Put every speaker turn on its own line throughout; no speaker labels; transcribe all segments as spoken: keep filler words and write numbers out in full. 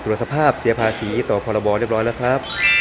ตรวจสภาพเสียภาษีต่อพรบเรียบร้อยแล้วครับ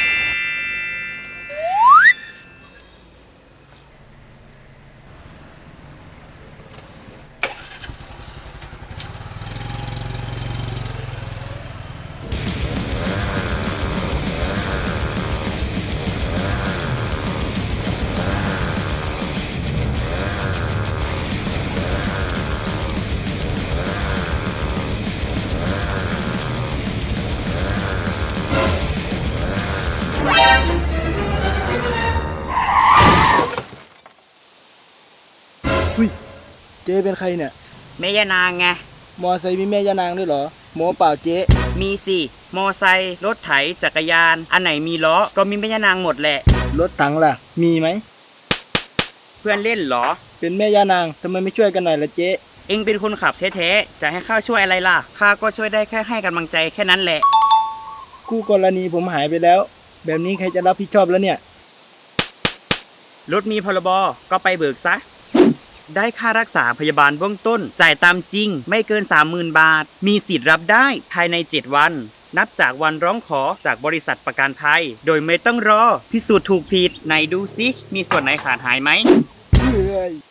หุ้ยเจ๊เป็นใครเนี่ย
แม่ยานางไง
มอไซค์มีแม่ยานางด้วยเหรอโมเปล่าเจ๊
มีสิ มอไซค์รถไถจักรยาน อันไหนมีล้อ ก็มีแม่ยานางหมดแหละ
รถถังล่ะ มีไหม
เพื่อนเล่นเหรอ
เป็นแม่ยานางทำไมไม่ช่วยกันหน่อยล่ะเจ๊
เอ็งเป็นคนขับแท้ๆ จะให้ข้าช่วยอะไรล่ะ ข้าก็ช่วยได้แค่ให้กำลังใจแค่นั้นแหละ
คู่กรณีผมหายไปแล้ว แบบนี้ใครจะรับผิดชอบแล้วเนี่ย
รถมีพรบ ก็ไปเบิกซะ ได้ค่ารักษาพยาบาลเบื้องต้น จ่ายตามจริง ไม่เกิน สามหมื่น บาท มีสิทธิ์รับได้ภายใน เจ็ด วัน นับจากวันร้องขอจากบริษัทประกันภัย โดยไม่ต้องรอ พิสูจน์ถูกผิดไหนดูซิมีส่วนไหนขาดหายไหม
เฮ้ย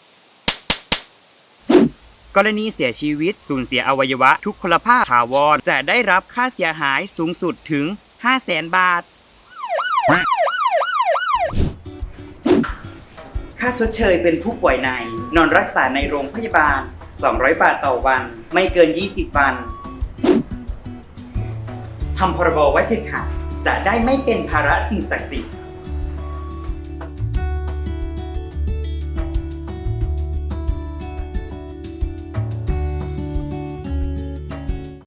กรณีเสียชีวิตสูญเสียอวัยวะทุกพลภาพถาวรจะได้รับค่าเสียหายสูงสุดถึง ห้าแสน บาท ค่าชดเชยเป็นผู้ป่วยในนอนรักษาในโรงพยาบาล สองร้อย บาทต่อวัน ไม่เกิน ยี่สิบ วันทำพรบไว้เถิดค่ะจะได้ไม่เป็นภาระสิ่งศักดิ์สิทธิ์